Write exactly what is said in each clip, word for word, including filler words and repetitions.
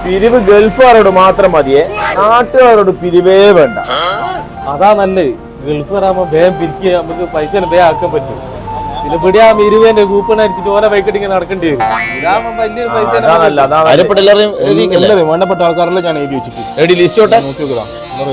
പിരിവ് ഗൾഫുകാരോട് മാത്രം മതിയേ, നാട്ടുകാരോട് പിരിവേ വേണ്ട. അതാ നല്ലത്. ഗൾഫുകാരാകുമ്പോ വേഗം പിരിക്കുക, നമുക്ക് പൈസ വേഗം ആക്കാൻ പറ്റും. പിന്നെ ഇവിടെ ആ ഇരുപതിന്റെ കൂപ്പൺ അടിച്ചിട്ട് ഓരോ ബൈക്കട്ടിങ് നടക്കേണ്ടി വരും. ഇതാകുമ്പോ വലിയൊരു പൈസ. വേണ്ടപ്പെട്ട ആൾക്കാരെല്ലാം ഞാൻ എഴുതി വെച്ചിട്ട് നോക്കി നോക്കാം.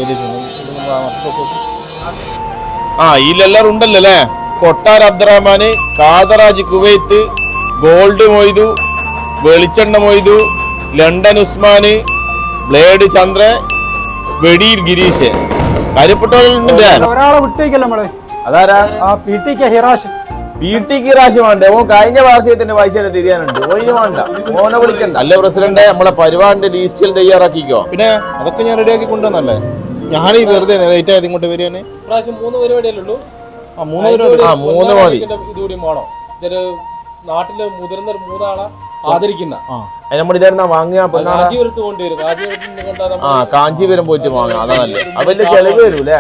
ആ ഇതിലെല്ലാരും ഉണ്ടല്ലോ അല്ലേ? കൊട്ടാർ അബ്ദുറഹ്മാന്, കാദറാജ് കുവൈത്ത്, ഗോൾഡ് മൊയ്തു, വെളിച്ചെണ്ണ മൊയ്തു, ലണ്ടൻ ഉസ്മാന്, ബ്ലേഡ് ചന്ദ്ര, വെടിയിൽ ഗിരീഷ്. കാര്യപ്പെട്ടവരുണ്ടല്ലേ? ഒരാളെ വിട്ടേക്കല്ല നമ്മള്. അതാരാ? ആ P T K Hirash. P T Kirash വേണ്ടേ? ഓ കഴിഞ്ഞ വാർഷികത്തിന്റെ പൈസ തിരിയാനുണ്ട്. ഓയിന് വേണ്ട, മോനെ വിളിക്കണ്ട. അല്ല പ്രസിഡന്റ്, നമ്മളെ പരിപാടിന്റെ ലിസ്റ്റിൽ തയ്യാറാക്കിക്കോ. പിന്നെ അതൊക്കെ ഞാൻ റെഡിയാക്കി കൊണ്ടുവന്നല്ലേ. ഞാൻ ഈ വെറുതെ ലേറ്റ് ആയത് ഇങ്ങോട്ട് വരികയാണ്. മൂന്ന് പരിപാടിയല്ലേ ഉള്ളൂ? ആ മൂന്ന് പരിപാടി. ആ മൂന്ന് മതി. ഇതുകൂടി വേണം. ഇതൊരു നാട്ടില് മുതിർന്ന മൂന്നാളെ ആദരിക്കുന്ന നമ്മളിതായിരുന്ന വാങ്ങിയ കാഞ്ചീപുരത്ത് കൊണ്ടുവരും. ആ കാഞ്ചീപുരം പോയിട്ട് വാങ്ങാം. അതാ നല്ലത്. അവന്റെ ചെലവ് വരൂലേ?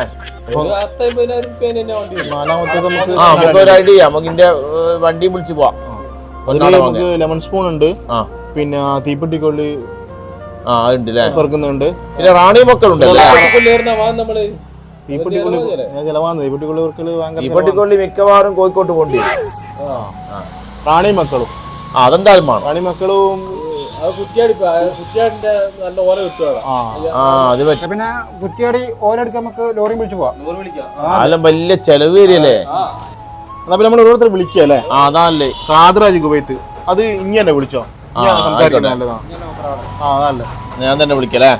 ആ നമുക്ക് ഒരു ഐഡിയ, നമുക്കിന്റെ വണ്ടി വിളിച്ചു പോവാം. ലെമൺ സ്പൂൺ ഉണ്ട്, പിന്നെ തീപ്പെട്ടിക്കൊള്ളി ആ ഉണ്ട് അല്ലേ, പെറുക്കുന്നുണ്ട്. പിന്നെ റാണി മക്കളുണ്ട്. തീപ്പെട്ടിക്കൊള്ളി ഞാൻ ചിലവാന്ന് തീപ്പെട്ടിക്കൊള്ളി പെറുക്കല് ഭയങ്കര. തീപ്പെട്ടിക്കൊള്ളി മിക്കവാറും കോഴിക്കോട്ട് പോണ്ടി വരും. റാണി മക്കളും അതെന്തായാലും വേണം. റാണി മക്കളും പിന്നെ കുറ്റിയാടി ഓലെടുക്കാൻ നമുക്ക് ലോറി വിളിച്ചു പോവാം. അതെല്ലാം വലിയ ചെലവ് വരികയല്ലേ? എന്നാ പിന്നെ നമ്മൾ ഓരോരുത്തർ വിളിക്കുക അല്ലേ? ആ അതല്ലേ. കാദറാജ് കുവൈത്ത് അത് ഇങ്ങനെ വിളിച്ചോ? ഞാൻ തന്നെ വിളിക്കല്ലേ.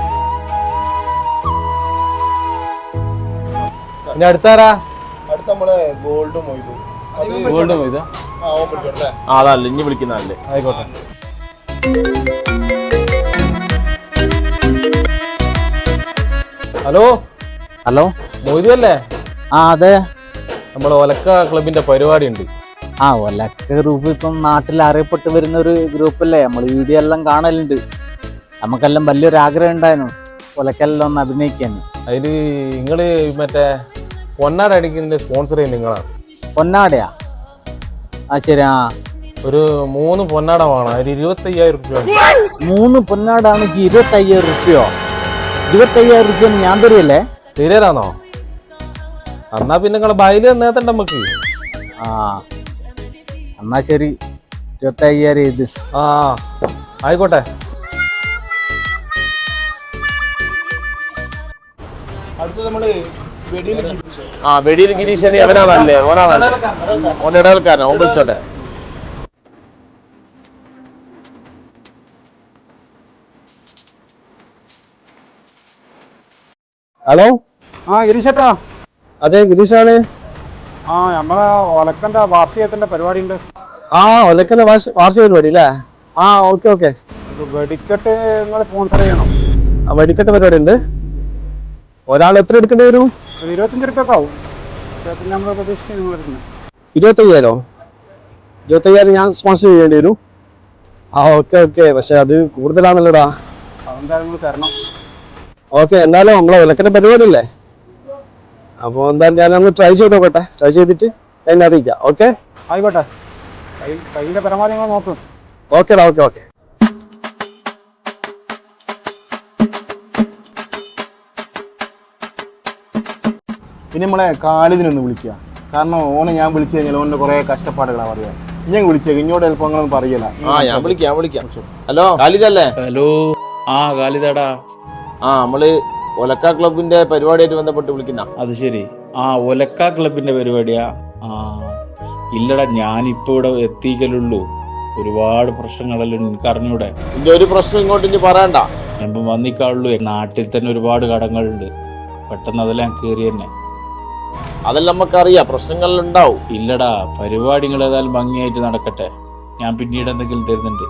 പിന്നെ അടുത്താരാ? അടുത്ത നമ്മളെ ഗോൾഡ് മൊയ്തു. ഗോൾഡ് മൊയ്ത അതല്ല ഇനി വിളിക്കുന്നതല്ലേ. ആയിക്കോട്ടെ. ഹലോ ഹലോ മൊയ്തു അല്ലേ? ആ അതെ, നമ്മളെ ഒലക്ക ക്ലബിന്റെ പരിപാടി ഉണ്ട്. ആ ഒലക്ക ഗ്രൂപ്പ് ഇപ്പം നാട്ടിൽ അറിയപ്പെട്ട് വരുന്ന ഒരു ഗ്രൂപ്പല്ലേ. നമ്മൾ വീഡിയോ എല്ലാം കാണലുണ്ട്. നമുക്കെല്ലാം വലിയൊരു ആഗ്രഹം ഉണ്ടായിരുന്നു ഒലക്കെല്ലാം ഒന്ന് അഭിനയിക്കാൻ. അതില് നിങ്ങള് മറ്റേ പൊന്നാട അടിക്കുന്നതിന്റെ സ്പോൺസർ ചെയ്യുന്ന നിങ്ങളാണ്. പൊന്നാടയാ? ആ ശരി. ആ ഒരു മൂന്ന് പൊന്നാട വേണം. അതിൽ ഇരുപത്തി അയ്യായിരം റുപ്യ. മൂന്ന് പൊന്നാടാണെങ്കിൽ ഇരുപത്തി അയ്യായിരം റുപ്യോ? ഇരുപത്തി അയ്യായിരം റുപ്യ ഞാൻ തരികയല്ലേ? തീരാനാണോ? എന്നാ പിന്നെ നിങ്ങളെ ബയല് നേത്തണ്ട നമുക്ക്. ആ എന്നാ ശരി, ഇരുപത്തി അയ്യായിരം ഇത്. ആ ആയിക്കോട്ടെ. അടുത്ത് നമ്മള് ആ വെടിയിൽ ഗിരീശനി അവനാണല്ലേ? ഓനാണല്ലേ? ഓൻ ഇടകൽക്കാരൻ. ഓൻ വിളിച്ചോട്ടെ. ഹലോ. ആ ഗിരീഷേട്ടാ. അതെ ഗിരീഷാണ്. ആ നമ്മളെ ഒലക്കന്റെ വാർഷികത്തിന്റെ പരിപാടി ഉണ്ട്. ആ ഒലക്കന്റെ വാർഷിക പരിപാടി അല്ലേ? ആ ഓക്കെ ഓക്കെ. വെടിക്കെട്ട് നിങ്ങൾ സ്പോൺസർ ചെയ്യണം. ആ വെടിക്കെട്ട് പരിപാടി ഉണ്ട്. ഒരാൾ എത്ര എടുക്കേണ്ടി വരും? ഒരു ഇരുപത്തഞ്ച് റുപ്യൊക്കെ ആവും. ഇരുപത്തഞ്ച് നമ്മൾ പ്രതീക്ഷിച്ച് നിങ്ങൾ എടുക്കുന്നത്. ഇരുപത്തയ്യായിരോ? ഇരുപത്തയ്യായിരം ഞാൻ സ്പോൺസർ ചെയ്യേണ്ടി വരും. ആ ഓക്കെ ഓക്കെ. പക്ഷെ അത് കൂടുതലാണല്ലോടാ. അതെന്തായാലും നിങ്ങൾ തരണം. ഓക്കെ, എന്തായാലും നമ്മളെ വിലക്കിന്റെ പരിപാടി അല്ലേ? അപ്പോൾ എന്തായാലും ഞാനൊന്ന് ട്രൈ ചെയ്ത് നോക്കട്ടെ. ട്രൈ ചെയ്തിട്ട് എന്നെ അറിയിക്കാം. ഓക്കെ ആയിക്കോട്ടെ. കൈ കയ്യിൻ്റെ പരമാവധി നിങ്ങൾ നോക്കും. ഓക്കേടാ. Okay okay. പിന്നെ നമ്മളെ കാലിദിനൊന്ന് വിളിക്കുക. കാരണം ഓനെ ഞാൻ വിളിച്ചു കഴിഞ്ഞാൽ ഓൻ്റെ കുറെ കഷ്ടപ്പാടുകളാണ് പറയുക. ഞാൻ വിളിച്ചേക്ക് ഇങ്ങോട്ട് ചിലപ്പോൾ അങ്ങനൊന്നും പറയല. ആ ഞാൻ വിളിക്കാം ഞാൻ വിളിക്കാം. ഹലോ ഖാലിദല്ലേ? ഹലോ. ആ ഖാലിദാടാ. ആ നമ്മള് ഒലക്ക ക്ലബിന്റെ പരിപാടിയായിട്ട് ബന്ധപ്പെട്ട് വിളിക്കുന്ന. അത് ശരി. ആ ഒലക്ക ക്ലബിന്റെ പരിപാടിയാ? ആ ഇല്ലടാ, ഞാനിപ്പോ ഇവിടെ എത്തിക്കലുള്ളൂ. ഒരുപാട് പ്രശ്നങ്ങളല്ലോ എനിക്ക് അറിഞ്ഞൂടെ. ഇന്റെ ഒരു പ്രശ്നം ഇങ്ങോട്ട് ഇനി പറയണ്ട. ഞാൻ വന്നിക്കാളുള്ളൂ. നാട്ടിൽ തന്നെ ഒരുപാട് കടങ്ങളുണ്ട്. പെട്ടെന്ന് അതെല്ലാം കയറി തന്നെ. അതെല്ലാം നമുക്കറിയാം, പ്രശ്നങ്ങൾ ഉണ്ടാവും. ഇല്ലടാ, പരിപാടികൾ ഏതായാലും ഭംഗിയായിട്ട് നടക്കട്ടെ. ഞാൻ പിന്നീട് എന്തെങ്കിലും തരുന്നുണ്ട്.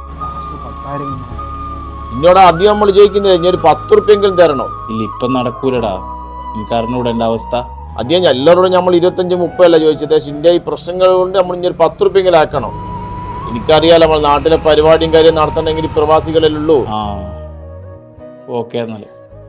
ഇന്നോട് ആദ്യം നമ്മൾ ചോദിക്കുന്നത് ഇനി ഒരു പത്ത് റുപ്യെങ്കിലും തരണോ? ഇല്ല, ഇപ്പം നടക്കൂലടാ. എനിക്ക് അറിഞ്ഞൂടെ എന്റെ അവസ്ഥ. ആദ്യം എല്ലാവരോടും നമ്മൾ ഇരുപത്തഞ്ച് മുപ്പതല്ല ചോദിച്ചത്. ഇന്ത്യ ഈ പ്രശ്നങ്ങൾ കൊണ്ട് നമ്മൾ ഇനി ഒരു പത്ത് റുപ്യെങ്കിലും ആക്കണം. എനിക്കറിയാലോ നമ്മൾ നാട്ടിലെ പരിപാടിയും കാര്യം നടത്തണമെങ്കിൽ പ്രവാസികളല്ലേ ഉള്ളൂ. ആ ഓക്കെ. എന്നാല്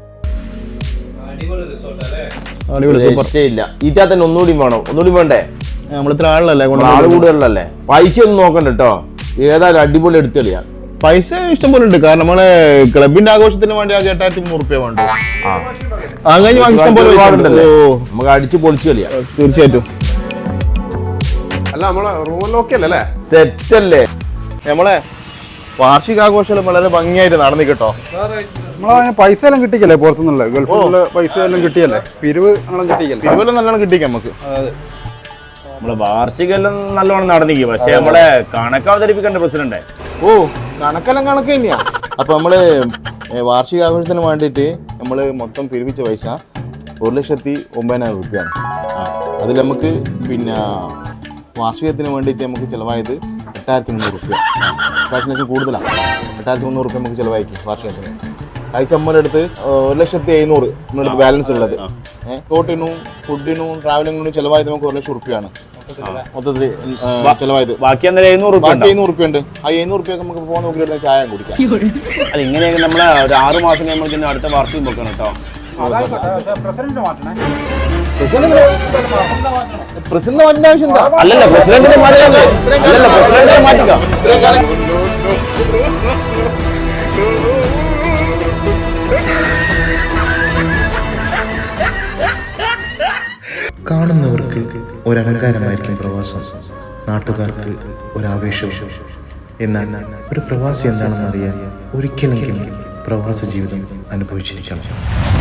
രക്ഷയില്ല. ഈറ്റാ തന്നെ ഒന്നുകൂടി വേണം. ഒന്നുകൂടി വേണ്ടേ? നമ്മളിത്ര ആളല്ലേ, ആള് കൂടുതലല്ലേ? പൈസ ഒന്നും നോക്കണ്ട കേട്ടോ. ഏതായാലും അടിപൊളി എടുത്തെളിയാ. പൈസ ഇഷ്ടംപോലെ ഉണ്ട്. കാരണം നമ്മളെ ക്ലബിന്റെ ആഘോഷത്തിന് വേണ്ടി ആ എട്ടായിരത്തി മുന്നൂറ് റുപ്യ വേണ്ട. അങ്ങനെ ഇഷ്ടം പോലെ ഒരുപാടുണ്ടല്ലോ. നമുക്ക് അടിച്ച് പൊളിച്ചു കളിയാ. തീർച്ചയായിട്ടും. അല്ല നമ്മളെ റൂമെല്ലാം ഓക്കെ അല്ലേ? സെറ്റ് അല്ലേ? നമ്മളെ വാർഷികാഘോഷം വളരെ ഭംഗിയായിട്ട് നടന്നു കേട്ടോ. നമ്മളെ പൈസ എല്ലാം കിട്ടിക്കല്ലേ പുറത്തുനിന്നുള്ള ഗൾഫിലുള്ള പൈസ എല്ലാം കിട്ടിയല്ലേ, പിരിവ് നമ്മളെ കിട്ടിക്കല്ലേ, പിരിവെല്ലാം നല്ലോണം കിട്ടിക്കാം നമുക്ക്. നമ്മളെ വാർഷികെല്ലാം നല്ലോണം നടന്നിരിക്കും. പക്ഷെ നമ്മളെ കണക്ക് അവതരിപ്പിക്കേണ്ട പ്രസിഡന്റ്. ഓ കണക്കെല്ലാം കണക്ക് തന്നെയാ. അപ്പൊ നമ്മള് വാർഷികാഘോഷത്തിന് വേണ്ടിയിട്ട് നമ്മള് മൊത്തം പിരിവിച്ച പൈസ ഒരു ലക്ഷത്തി ഒമ്പതിനായിരം രൂപയാണ്. അതിൽ നമുക്ക് പിന്നെ വാർഷികത്തിന് വേണ്ടിയിട്ട് നമുക്ക് ചിലവായത് എട്ടായിരത്തി മുന്നൂറ് റുപ്യ. പ്രാവശ്യം കൂടുതലാണ്. എട്ടായിരത്തി മുന്നൂറ് റുപ്യ നമുക്ക് ചിലവാക്കി വാർഷികത്തിന്. കഴിച്ച അമ്മയുടെ ഒരു ലക്ഷത്തി എഴുന്നൂറ് നമ്മുടെ അടുത്ത് ബാലൻസ് ഉള്ളത്. ഏഹ് തോട്ടിനും ഫുഡിനും ട്രാവലിങ്ങിനും ചിലവായത് നമുക്ക് ഒരു ലക്ഷം റുപ്യാണ് മൊത്തത്തിൽ ചിലവായത്. ബാക്കി എന്തായാലും എഴുന്നൂറ് ബാക്കി എഴുന്നൂറ് റുപ്യ ഉണ്ട്. ആ എഴുന്നൂറ് റുപ്യ നമുക്ക് പോകാൻ നോക്കിയിട്ട് ചായ കുടിക്കാം. അല്ല ഇങ്ങനെയൊക്കെ നമ്മളെ ഒരു ആറ് മാസം കഴിയുമ്പോൾ അടുത്ത വാർഷികം വെക്കണം കേട്ടോ. പ്രസിഡന്റ് മാറ്റേണ്ട ആവശ്യം എന്താ? അല്ലല്ല പ്രസിഡന്റിനെ മാറ്റിക്കാം. അല്ലല്ല പ്രസിഡന്റിനെ മാറ്റിക്കാം. കാണുന്നവർക്ക് ഒരലങ്കാരമായിരിക്കും പ്രവാസം, നാട്ടുകാർക്ക് ഒരാവേശവും. എന്നാൽ ഒരു പ്രവാസി എന്താണെന്ന് അറിയാൻ ഒരിക്കലെങ്കിലും പ്രവാസ ജീവിതം അനുഭവിച്ചിരിക്കണം.